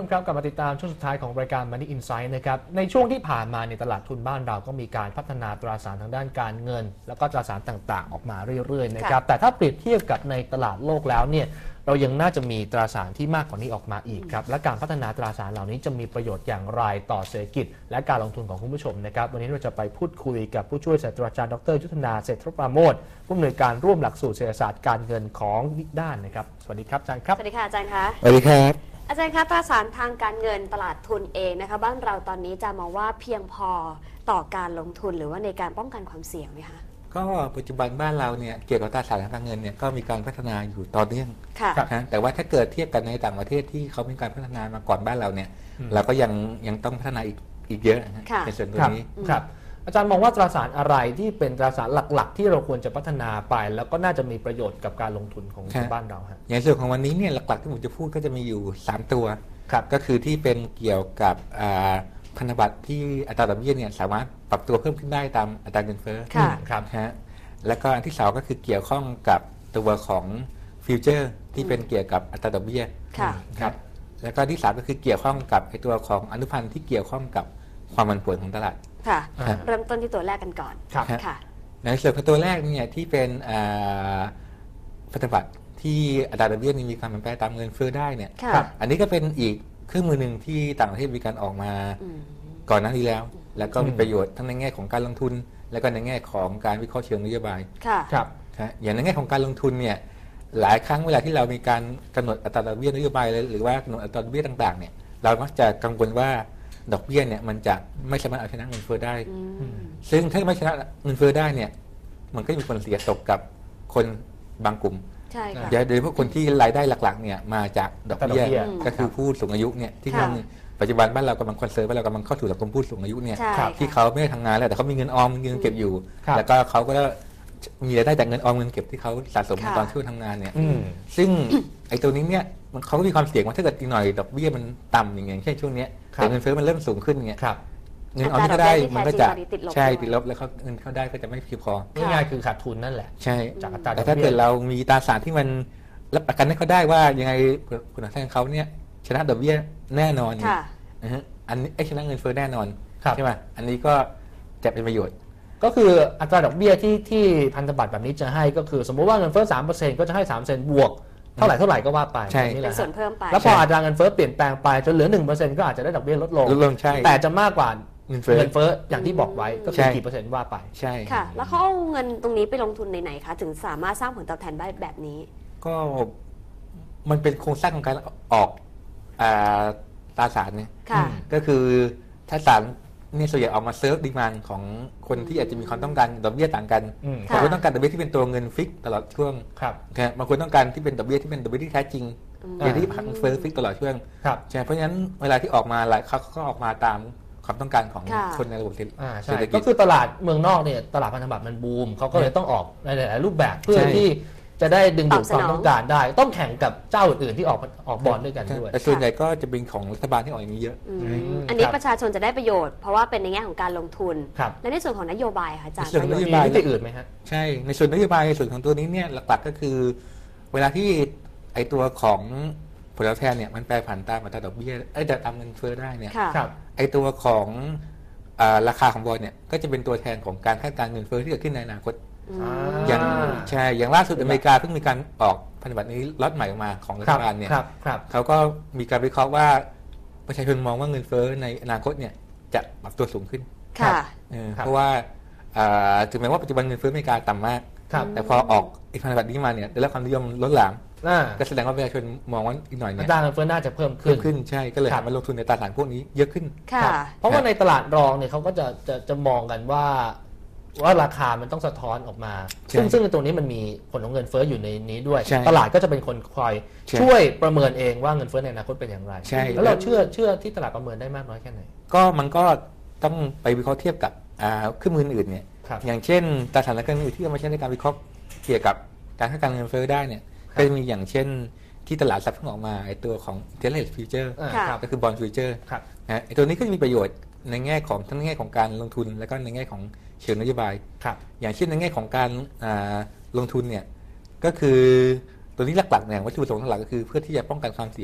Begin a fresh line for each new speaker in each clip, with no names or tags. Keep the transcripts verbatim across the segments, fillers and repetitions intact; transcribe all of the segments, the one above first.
ผู้ชมครับกลับมาติดตามช่วงสุดท้ายของรายการ Money Insight นะครับในช่วงที่ผ่านมาในตลาดทุนบ้านเราก็มีการพัฒนาตราสารทางด้านการเงินแล้วก็ตราสารต่างๆออกมาเรื่อยๆนะครับแต่ถ้าเปรียบเทียบกับในตลาดโลกแล้วเนี่ยเรายังน่าจะมีตราสารที่มากกว่านี้ออกมาอีกครับและการพัฒนาตราสารเหล่านี้จะมีประโยชน์อย่างไรต่อเศรษฐกิจและการลงทุนของคุณผู้ชมนะครับวันนี้เราจะไปพูดคุยกับผู้ช่วยศาสตราจารย์ดรยุทธนาเศรษฐปราโมชผู้อำนวยการร่วมหลักสูตรเศรษฐศาสตร์การเงินของนิด้านนะครับสวัสดีครับอาจารย์ครับ
สวัสดีค่ะอาจารย์คะ
สวัสดีครับ
อาจารย์คะตราสารทางการเงินตลาดทุนเองนะคะบ้านเราตอนนี้จะมองว่าเพียงพอต่อการลงทุนหรือว่าในการป้องกันความเสี่ยงไหมคะ
ก็ปัจจุบันบ้านเราเนี่ยเกี่ยวกับตราสารทางการเงินเนี่ยก็มีการพัฒนาอยู่ต่อเนื่องนะแต่ว่าถ้าเกิดเทียบกันในต่างประเทศที่เขามีการพัฒนามาก่อนบ้านเราเนี่ยเราก็ยังยังต้องพัฒนาอีกอีกเยอะในส่วนตรงนี้
ครับอาจารย์มองว่าตราสารอะไรที่เป็นตราสารหลักๆที่เราควรจะพัฒนาไปแล้วก็น่าจะมีประโยชน์กับการลงทุนของบ้านเราฮะ
อย่างส่วนของวันนี้เนี่ยหลักๆที่ผมจะพูดก็จะมีอยู่สามตัวก็คือที่เป็นเกี่ยวกับพันธบัตรที่อัตราดอกเบี้ยเนี่ยสามารถปรับตัวเพิ่มขึ้นได้ตามอัตราเงินเฟ้อ
ครับ
ฮะแล้วก็อันที่สองก็คือเกี่ยวข้องกับตัวของฟิวเจอร์ที่เป็นเกี่ยวกับอัตราดอกเบี้ยครับแล้วก็ที่สามก็คือเกี่ยวข้องกับไอตัวของอนุพันธ์ที่เกี่ยวข้องกับความผันผวนของตลาด
ค่ะเริ่มต้นที่ตัวแรกกันก่อน
ค่ะในส่วนของตัวแรกเนี่ยที่เป็นพันธบัตรที่อัตราดอกเบี้ยมีความเปลี่ยนแปลงตามเงินเฟ้อได้เนี่ยอันนี้ก็เป็นอีกเครื่องมือหนึ่งที่ต่างประเทศมีการออกมาก่อนหน้านี้แล้วแล้วก็มีประโยชน์ทั้งในแง่ของการลงทุนและก็ในแง่ของการวิเคราะห์เชิงนโยบาย
ครับ
อย่างในแง่ของการลงทุนเนี่ยหลายครั้งเวลาที่เรามีการกำหนดอัตราดอกเบี้ยนโยบายหรือว่ากำหนดอัตราดอกเบี้ยต่างๆเนี่ยเรามักจะกังวลว่าดอกเบี้ยเนี่ยมันจะไม่สามารถเอาชนะเงินเฟ้อได้ซึ่งถ้าไม่ชนะเงินเฟ้อได้เนี่ยมันก็มีผลเสียตกกับคนบางกลุ่มโดยเฉพาะคนที่รายได้หลักๆเนี่ยมาจากดอกเบี้ยก็คือผู้สูงอายุเนี่ยที่ทำปัจจุบันบ้านเรากำลังคอนเซิร์นว่าเรากำลังเข้าสู่สังคมผู้สูงอายุเนี่ยที่เขาไม่ได้ทำงานแล้วแต่เขามีเงินออมเงินเก็บอยู่แล้วก็เขาก็มีรายได้จากเงินออมเงินเก็บที่เขาสะสมตอนช่วงทำงานเนี่ยซึ่งไอ้ตัวนี้เนี่ยเขาก็มีความเสี่ยงว่าถ้าเกิดอีกหน่อยดอกเบี้ยมันต่ำอย่างเงี้ยเช่นช่วงนี้แต่เงินเฟ้อมันเริ่มสูงขึ้นเงี้ยเงินออมที่เขาได้มันก็จะใช่ติดลบแล้วเขาเงินเขาได้ก็จะไม่เพียงพอ
ง่ายๆคือขาดทุนนั่นแหละ
ใช่จากอัตราดอกเบี้ยแต่ถ้าเกิดเรามีตราสารที่มันรับประกันให้เขาได้ว่ายังไงผลตอบแทนเขาเนี่ยชนะดอกเบี้ยแน่นอนอันนี้ไอ้ชนะเงินเฟ้อแน่นอนใช่ไหมอันนี้ก็จะเป็นประโยชน์
ก็คืออัตราดอกเบี้ยที่ที่พันธบัตรแบบนี้จะให้ก็คือสมมติว่าเงินเฟ้อ สามเปอร์เซ็นต์ ก็จะให้ สามเปอร์เซ็นต์ บวกเท่าไหร่เท่าไหร่ก็ว่าไป
ใช่
เป็นส่วนเพิ่มไป
แล้วพออัตราเงินเฟ้อเปลี่ยนแปลงไปจนเหลือ หนึ่งเปอร์เซ็นต์ ก็อาจจะได้ดอกเบี้ยลดลง
ลดลงใช่
แต่จะมากกว่าเงินเฟ้ออย่างที่บอกไว้ก็คือกี่เปอร์เซ็นต์ว่าไป
ใช่
ค่ะแล้วเขาเอาเงินตรงนี้ไปลงทุนในไหนคะถึงสามารถสร้างผลตอบแทนได้แบบนี้
ก็มันเป็นโครงสร้างของการออกตราสารเนี่ยก็คือถ้าสารนี่ส่วนใหญ่ออกมาเซิร์ฟดีมานของคนที่อาจจะมีความต้องการดอกเบี้ยต่างกันบางคนต้องการดอกเบี้ยที่เป็นตัวเงินฟิกตลอดช่วงบางคนต้องการที่เป็นดอกเบี้ยที่เป็นดอกเบี้ยที่แท้จริงอย่างที่พันเฟ้อฟิกตลอดช่วงใช่เพราะฉะนั้นเวลาที่ออกมาหลายเขาก็ออกมาตามความต้องการของคนในระบบเศรษฐกิจ
ก็คือตลาดเมืองนอกเนี่ยตลาดพันธบัตรมันบูมเขาก็เลยต้องออกในหลายรูปแบบเพื่อที่จะได้ดึงดูดความต้องการได้ต้องแข่งกับเจ้าอื่นๆที่ออกออกบอลด้วยกันด้วย
แต่ส่วนใหญ่ก็จะเป็นของรัฐบาลที่ออกอย่างนี้เยอะ
อันนี้ประชาชนจะได้ประโยชน์เพราะว่าเป็นในแง่ของการลงทุนและในส่วนของนโยบายค่ะอาจารย์
ส่วนนโยบาย
ที่อื่นไหมฮะ
ใช่ในส่วนนโยบายในส่วนของตัวนี้เนี่ยหลักๆก็คือเวลาที่ไอตัวของผลตอบแทนเนี่ยมันแปรผันตามอัตราดอกเบี้ยไอ้ตามเงินเฟ้อได้เนี่ยไอตัวของราคาของบอลเนี่ยก็จะเป็นตัวแทนของการคาดการณ์เงินเฟ้อที่เกิดขึ้นในอนาคตอย่างใช่อย่างล่าสุดอเมริกาเพิ่งมีการออกพันธบัตรนี้ล็อตใหม่ออกมาของรัฐบาลเนี่ยเขาก็มีการวิเคราะห์ว่าประชาชนมองว่าเงินเฟ้อในอนาคตเนี่ยจะปรับตัวสูงขึ้นเพราะว่าถึงแม้ว่าปัจจุบันเงินเฟ้ออเมริกาต่ำมากแต่พอออกอีกพันธบัตรนี้มาเนี่ยได้รับความนิยมล้นหลามก็แสดงว่าประชาชนมองว่าอีกหน่อยเนี่ย
อัตราเงินเฟ้อน่าจะเพิ่มขึ้น
ขึ้นใช่ก็เลยหันมาลงทุนในตราสารพวกนี้เยอะขึ้น
เพราะว่าในตลาดรองเนี่ยเขาก็จะจะจะมองกันว่าว่าราคามันต้องสะท้อนออกมาซึ่งซึ่งในตรงนี้มันมีผลของเงินเฟ้ออยู่ในนี้ด้วยตลาดก็จะเป็นคนคอยช่วยประเมินเองว่าเงินเฟ้อในอนาคตเป็นอย่างไรแล้วเราเชื่อเชื่อที่ตลาดประเมินได้มากน้อยแค่ไหน
ก็มันก็ต้องไปวิเคราะห์เทียบกับเครื่องมืออื่นเนี่ยอย่างเช่นตราสารการเงินที่เอามาใช้ในการวิเคราะห์เกี่ยวกับการคาดการณ์เงินเฟ้อได้เนี่ยก็จะมีอย่างเช่นที่ตลาดทรัพย์เพิ่งออกมาไอ้ตัวของ Interest Future ก็คือ Bond Future ไอ้ตัวนี้ก็จะมีประโยชน์ในแง่ของทั้งในแง่ของการลงทุนและก็ในแง่ของเชิงนโยบายอย่างเช่นในแง่ของการลงทุนเนี่ยก็คือตัวนี้หลักๆเนี่ยวัตถุประสงค์หลักก็คือเพื่อที่จะป้องกันความเสี่ยง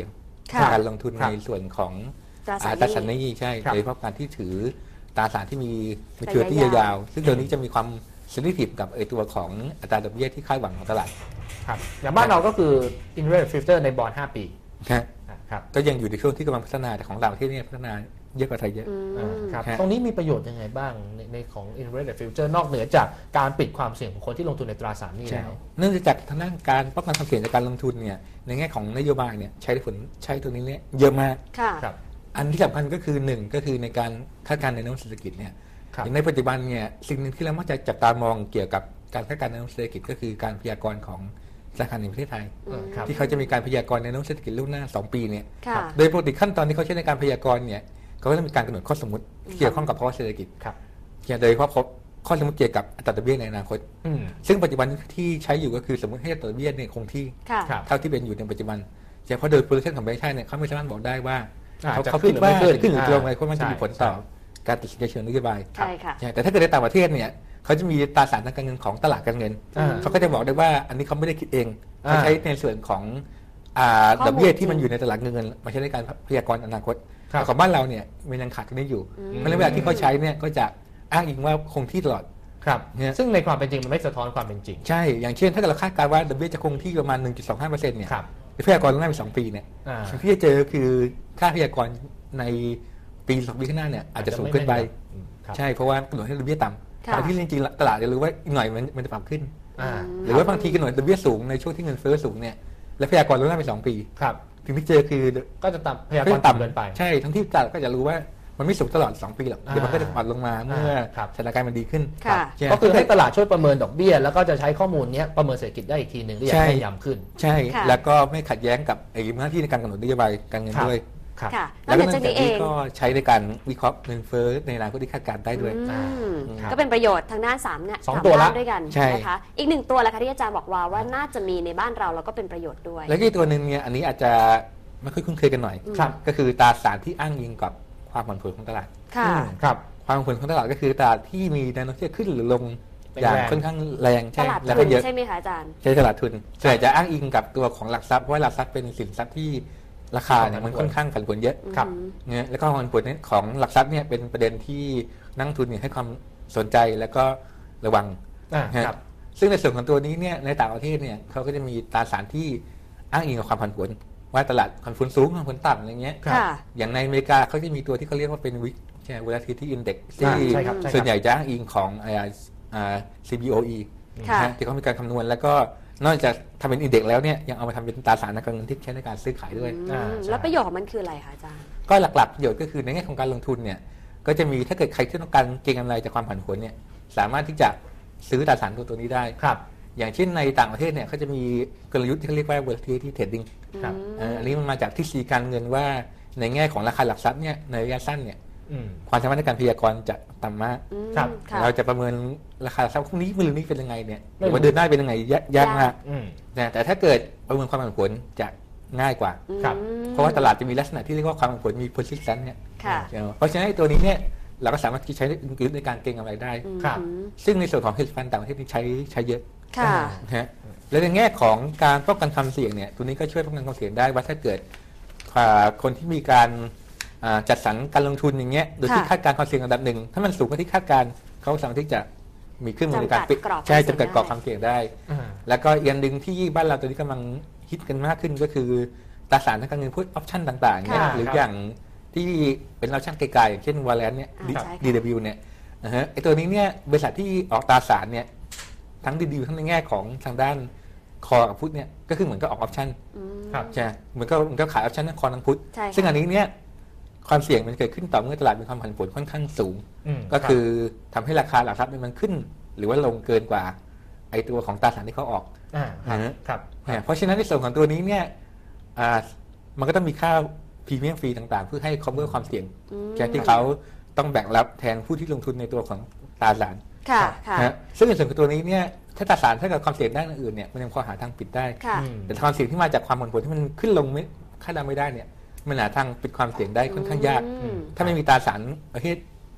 ค่ะ
การลงทุน
ครั
ใน
บ
ส่วนของ
ตราสาร
อ่า
ห
ตราสารห
นี้
นี้ใช่
ครับ
โดยเฉพาะการที่ถือตราสารที่มีมีเทอ
ระ
ที่
ยะยาว
ยาวๆซึ่งตัวนี้จะมีความเซนซิทีฟกับไอตัวของอัตราดอกเบี้ยที่คาดหวังของตลาด
ครับอย่างบ้านเราก็คือ interest rate future ในบอลห้าปี
นะ
ครับ
ก็ยังอยู่ในช่วงที่กำลังพัฒนาแต่ของเราที่นี่พัฒนาเยอะกว่าไทยเยอะ
อืม
อ่าครับ
ฮะ
ตรงนี้มีประโยชน์ยังไงบ้างในในของ interest rate future นอกเหนือจากการปิดความเสี่ยงของคนที่ลงทุนในตราสารหนี้
ใช่
แล้ว
เนื่องจากทางด้านการป้องกันความเสี่ยงจากการลงทุนเนี่ยในแง่ของนโยบายเนี่ยใช้ผลใช้ตัวนี้เนี่ยเยอะมาก
ค่ะ
ครับ
อันที่สำคัญก็คือหนึ่งก็คือในการคาดการณ์ในแนวโน้มเศรษฐกิจเนี่ย
ครับ
อย่างในปัจจุบันเนี่ยสิ่งหนึ่งที่เรามักจะจับตามองเกี่ยวกับการคาดการณ์ในแนวโน้มเศรษฐกิจก็คือการพยากรณ์ของธนาคารแห่งประเทศไทย
เออครับ
ที่เขาจะมีการพยากรณ์ในแนวโน้มเศรษฐกิจล่วงหน้าสองปีเนี่ย
ค่ะ
โดยปกติขั้นตอนที่เขาใช้ในการพยากรณ์เนี่ยเขาก็จะมีการกำหนดข้อสมมติที่เกี่ยวข้องกับภาวะเศรษฐกิจ
ครับ
โดยเฉพาะข้อสมมติเกี่ยวกับอัตราดอกเบี้ยในอนาคต
อืม
ซึ่งปัจจุบันที่ใช้อยู่ก็คือสมมติให้อัตราดอกเบี้ยเนี่ยคงที่
ค่ะ
ครับ
เท่าที่เป็นอยู่ในปัจจุบันเฉพาะโดย projection ของแบงก์ชาติเนี่ยเขาไม่สามารถบอกได้ว่า
อ่า
เขา
จะ
เขา
ขึ้
คิ
น
ด
หรือ
ว่า
ไม่ขึ้น
จะขึ้นหรือจะลง
อ่า
อะไรเพราะมันจะมีผลต่อ
ใช่
การตัดสินใจเชิงนโยบาย
ใช่ค่ะ
ใช่แต่ถ้าเกิดในต่างประเทศเนี่ยเขาจะมีตราสารทางการเงินของตลาดการเงิน
อ่า
เขาก็จะบอกได้ว่าอันนี้เขาไม่ได้คิดเอง
อ่า
เขาใช้ในส่วนของอ่า
ข้อมูล
ดอกเบี้ยที่
จริง
มันอยู่ในตลาดเงินมาใช้ในการพยากรณ์อนาคต
ครับ
แต่ของบ้านเราเนี่ยมันยังขาดตรงนี้อยู่
อืม
เพราะฉะนั้นเวลาที่เขาใช้เนี่ยก็จะอ้างอิงว่าคงที่ตลอด
ครับ
เนี่ย
ซึ่งในความเป็นจริงมันไม่สะท้อนความเป็นจริง
ใช่ อย่างเช่นถ้าเกิดเราคาดการณ์ว่าดอกเบี้ยจะคงที่ประมาณ หนึ่งจุดสองห้าเปอร์เซ็นต์ เนี่ย
ครับ
พยากรณ์ล่วงหน้าไปสองปีเนี่ย
อ่า
สิ่งที่จะเจอคือค่าพยากรณ์ในปีสองปีข้างหน้าเนี่ยอาจจะสูงขึ้นไป
อืมครับ
ใช่เพราะว่ากำหนดให้ดอกเบี้ยต่ำ
ค่ะ
แต่ที่จริงๆตลาดจะรู้ว่าอีกหน่อยมันมันจะปรับขึ้น
อ่า
หรือว่าบางทีกำหนดดอกเบี้ยสูงในช่วงที่เงินเฟ้อสูงเนี่ยและพยากรณ์ล่วงหน้าไปสองปี
ครับ
สิ่งที่เจอคือ
ก็จะต่ำพยากรณ์ต่ำเกินไป
ใช่ทั้งที่ตลาดก็จะรู้ว่ามันไม่สูงตลอดสองปีหรอกเดี๋ยวมันก็จะปรับลงมาเมื่อ
ครับ
สถานการณ์มันดีขึ้น
ค่ะ
ใช่
ก็คือให้ตลาดช่วยประเมินดอกเบี้ย แล้วก็จะใช้ข้อมูลเนี้ยประเมินเศรษฐกิจได้อีกทีหนึ่งได้อย่างแม่นยำขึ้น
ใช่
ค่ะ
แล้วก็ไม่ขัดแย้งกับไอ้หน้าที่ในการกำหนดนโยบายการเงิน
ครับ
ด้วย
ครับ
ค่ะน
แล้
อ
ว
ก
ก็
จาก
เนื่อง
นี้
จาก
เอ
นี้
ง
ก็ใช้ในการวิเคราะห์เงินเฟ้อในอนาคตที่คาดการณ์ได้ด้วย
อืม
ครับ
ก็เป็นประโยชน์ทางด้านสามเนี่ย
สอง
าม
ตัวละ
ด้านด้วยกัน
ใช่
นะคะ อีกหนึ่งตัวแหละค่ะที่อาจารย์บอกว่าว่าน่าจะมีในบ้านเราแล้วก็เป็นประโยชน์ด้วย
แล้วก็อีกตัวหนึ่งเนี่ยอันนี้อาจจะไม่ค่อยคุ้นเคยกันหน่อย
ครับ
ก็คือตราสารที่อ้างอิงกับความผันผวนของตลาด
ค่ะ
อืมครับ
ความผันผวนของตลาดก็คือตลาดที่มีแนวโน้มที่จะขึ้นหรือลง
เป็น
อย่าง
แรง
ค่อนข้างแรง
ต
ใช่
ลาด
แล้ว
ทุ
ก็
น
เยอะ
ใช่ไหมคะอาจารย์
ใช่ตลาดทุนส่วนใหญ่จะอ้างอิงกับตัวของหลักทรัพย์เพราะว่าหลักทรัพย์เป็นสินทรัพย์ที่ราคาเนี่ยมันค่อนข้างผันผวนเยอะ
ครับ
อืม
เนี่ยแล้วก็ความผันผวนของหลักทรัพย์เนี่ยเป็นประเด็นที่นักลงทุนเนี่ยให้ความสนใจแล้วก็ระวัง
อ่า
นะ
ครับ
ซึ่งในส่วนของตัวนี้เนี่ยในต่างประเทศเนี่ยเขาก็จะมีตราสารที่อ้างอิงกับความผันผวนว่าตลาดผันผวนสูงผันผวนต่ำอะไรเงี้ย
ครับ
ค่ะ
อย่างในอเมริกาเขาจะมีตัวที่เขาเรียกว่าเป็นวิกใช่ volatility index
อ่า
ที่
ใช่ครับใช่ครับ
ส่วนใหญ่จะอ้างอิงของอ่าอ่า ซี บี โอ อี
ค่ะ
นะฮะที่เขามีการคำนวณแล้วก็นอกจากทำเป็นอินเด็กซ์แล้วเนี่ยยังเอามาทำเป็นตราสารทางการเงินที่ใช้ในการซื้อขายด้วย
อืม
อ่าใช่
แล้วประโยชน์ของมันคืออะไรคะอาจารย์
ก็หลักๆประโยชน์ก็คือในแง่ของการลงทุนเนี่ยก็จะมีถ้าเกิดใครที่ต้องการเก็งกำไรจากความผันผวนเนี่ยสามารถที่จะซื้อตราสารตัวตัวนี้ได้
ครับ
อย่างเช่นในต่างประเทศเนี่ยเขาจะมีกลยุทธ์ที่เขาเรียกว่า volatility trading
ครับ
เอ่ออันนี้มันมาจากทฤษฎีการเงินว่าในแง่ของราคาหลักทรัพย์เนี่ยในระยะสั้นเนี่ย
อืม
ความสามารถในการพยากรณ์จะต่ำมาก
อืม
ครับ
ค่ะ
เราจะประเมินราคาหลักทรัพย์พรุ่งนี้มะรืนนี้เป็นยังไงเนี่ยห
ไม่
รือ
รู้
ว่าเดือนหน้าเป็นยังไงยากยากมาก
อืม
นะแต่ถ้าเกิดประเมินความผันผวนจะง่ายกว่า
ครับ
อืม
เพราะว่าตลาดจะมีลักษณะที่เรียกว่าความผันผวนมี persistence เนี่ย
ค่ะ
เพราะฉะนั้นไอ้ตัวนี้เนี่ยเราก็สามารถที่ใช้ในการเก็งกำไรได้
ครับ
อืม
ซึ่งในส่วนของ hedge fund ต่างประเทศนี่ใช้ใช้เยอะ
ค่ะ
นะฮะและในแง่ของการป้องกันความเสี่ยงเนี่ยตัวนี้ก็ช่วยป้องกันความเสี่ยงได้ว่าถ้าเกิดอ่าคนที่มีการอ่าจัดสรรการลงทุนอย่างเงี้ยโดยที่
ค่ะ
คาดการณ์ความเสี่ยงระดับหนึ่งถ้ามันสูงกว่าที่คาดการณ์เขาสามารถที่จะมีเครื่องมือในการ
จำกัดกรอบ
ใช่
ความเสี่ยง
จำกัดกรอบ
ได้
ความเสี่ยงได้
อ่า
แล้วก็อีกอันหนึ่งที่บ้านเราตัวนี้กำลังฮิตกันมากขึ้นก็คือตราสารทางการเงินพูดออปชั่นต่างๆเนี่ย
ค่ะ
หรืออย่างที่เป็นออปชั่นไกลๆอย่างเช่นวอลเลนเนี่ย
อ่าใช่ค่ะ
ดี ดับเบิลยู เนี่ยนะฮะไอตัวนี้เนี่ยบริษัทที่ออกตราสารเนี่ยทั้งดีดีทั้งในแง่ของทางด้านคอกับพุทเนี่ยก็คือเหมือนก็ออกออปชั่น
อืม
ครับ
ใช่ไหมเหมือนก็เหมือนก็ขายออปชั่นทั้งคอทั้งพุท
ใช่ค่ะ
ซึ่งอันนี้เนี่ยความเสี่ยงมันเกิดขึ้นต่อเมื่อตลาดมีความผันผวนค่อนข้างสูง
ม
ก็คือทำให้ราคาหลักทรัพย์เนี่ยมันขึ้น หรือว่าลงเกินกว่าไอตัวของตราสารที่เขาออก
อ่าครับ
นะฮะ
ครับ
เนี่ยเพราะฉะนั้นในส่วนของตัวนี้เนี่ยอ่ามันก็ต้องมีค่าพรีเมียมฟรีต่างๆ เพื่อให้ cover ความเสี่ยง
อืม
แค่ที่เขาต้องแบ่งรับแทนผู้ที่ลงทุนในตัวของตราสาร
ค่ะ ค่ะ
นะฮะซึ่งในส่วนของตัวนี้เนี่ยถ้าตราสารถ้าเกิดความเสี่ยงด้านอื่นเนี่ยมันยังพอหาทางปิดได้
ค่ะ
อืม
แต่ความเสี่ยงที่มาจากความผันผวนที่มันขึ้นลงไม่คาดเดาไม่ได้เนี่ยมันหาทางปิดความเสี่ยงได้ค่อนข้างยาก
อืม
ถ้าไม่มีตราสารประเภท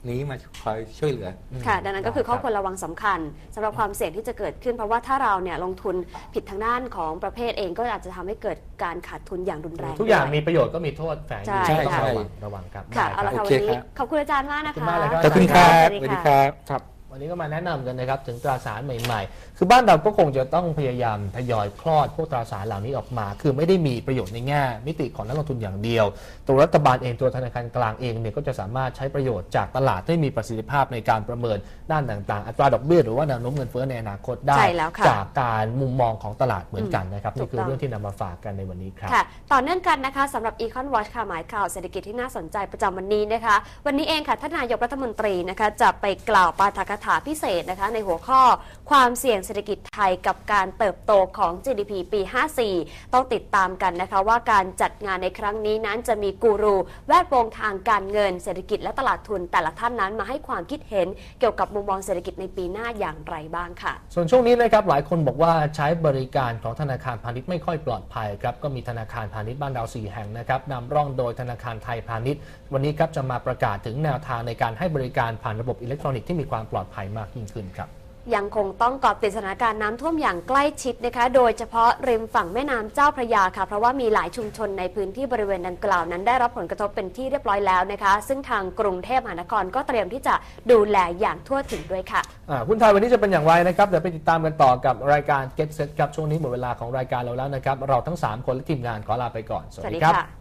นี้มาคอยช่วยเหลือ
ค่ะ ดังนั้นก็คือข้อควรระวังสำคัญสำหรับความเสี่ยงที่จะเกิดขึ้น เพราะว่าถ้าเราเนี่ยลงทุนผิดทางด้านของประเภทเองก็อาจจะทำให้เกิดการขาดทุนอย่างรุนแรง
ทุกอย่าง
ด้ว
มีประโยชน์ก็มีโทษแฝงอยู่
ใช่
ต้อง
ใช่
ระวังระวังครับ
ค่ะ
ได้
เอาละ
ค
ค่ะ
รับ
โอ
วัน
เค
นี้
ครับ
ขอบคุณอาจารย์มากนะ
ขอบคุณ
คะ
มากเลยครับ
ขอบคุณครับ
ส
ส
วั
วั
ส
ส
ดี
ดี
ค่ะ
ครับครับ
วันนี้ก็มาแนะนำกันนะครับถึงตราสารใหม่ๆ คือบ้านเราก็คงจะต้องพยายามทยอยคลอดพวกตราสารเหล่านี้ออกมา คือไม่ได้มีประโยชน์ในแง่มิติของนักลงทุนอย่างเดียว ตัวรัฐบาลเองตัวธนาคารกลางเองเนี่ยก็จะสามารถใช้ประโยชน์จากตลาดที่มีประสิทธิภาพในการประเมินด้านต่างๆ อัตราดอกเบี้ยหรือว่าแนวโน้มเงินเฟ้อในอนาคตได้
ใช่แล้วค่ะ
จากการมุมมองของตลาดเหมือนกันนะครับ
ถู
นี่
ก
คือ
ต้อง
เรื่องที่นำมาฝากกันในวันนี้ครับ
ค่ะ ต่อเนื่องกันนะคะสำหรับ Econ Watch ค่ะหมายข่าวเศรษฐกิจที่น่าสนใจประจำวันนี้นะคะ วันนี้เองค่ะท่านนายกรัฐมนตรีนะคะจะไปกล่าวปาฐกถาพิเศษนะคะในหัวข้อความเสี่ยงเศรษฐกิจไทยกับการเติบโตของ จี ดี พี ปี ห้าสี่ ต้องติดตามกันนะคะว่าการจัดงานในครั้งนี้นั้นจะมีกูรูแวดวงทางการเงินเศรษฐกิจและตลาดทุนแต่ละท่านนั้นมาให้ความคิดเห็นเกี่ยวกับมุมมองเศรษฐกิจในปีหน้าอย่างไรบ้างค่ะ
ส่วนช่วงนี้นะครับหลายคนบอกว่าใช้บริการของธนาคารพาณิชย์ไม่ค่อยปลอดภัยครับก็มีธนาคารพาณิชย์บ้านเราสี่แห่งนะครับนำร่องโดยธนาคารไทยพาณิชย์ วันนี้ครับจะมาประกาศถึงแนวทางในการให้บริการผ่านระบบอิเล็กทรอนิกส์ที่มีความปลอดภัยมากยิ่งขึ้นครับ
ยังคงต้องเกาะติดสถานการณ์น้ำท่วมอย่างใกล้ชิดนะคะ โดยเฉพาะริมฝั่งแม่น้ำเจ้าพระยาค่ะเพราะว่ามีหลายชุมชนในพื้นที่บริเวณดังกล่าวนั้นได้รับผลกระทบเป็นที่เรียบร้อยแล้วนะคะ ซึ่งทางกรุงเทพมหานครก็เตรียมที่จะดูแลอย่างทั่วถึงด้วยค่ะ
อ่าหุ้นไทยวันนี้จะเป็นอย่างไรนะครับเดี๋ยวไปติดตามกันต่อกับรายการ Get Set ครับช่วงนี้หมดเวลาของรายการเราแล้วนะครับเราทั้งสามคนและทีมงานขอลาไปก่อนสวัส
สวัส
ดี
ดี
ครับ
ค่ะ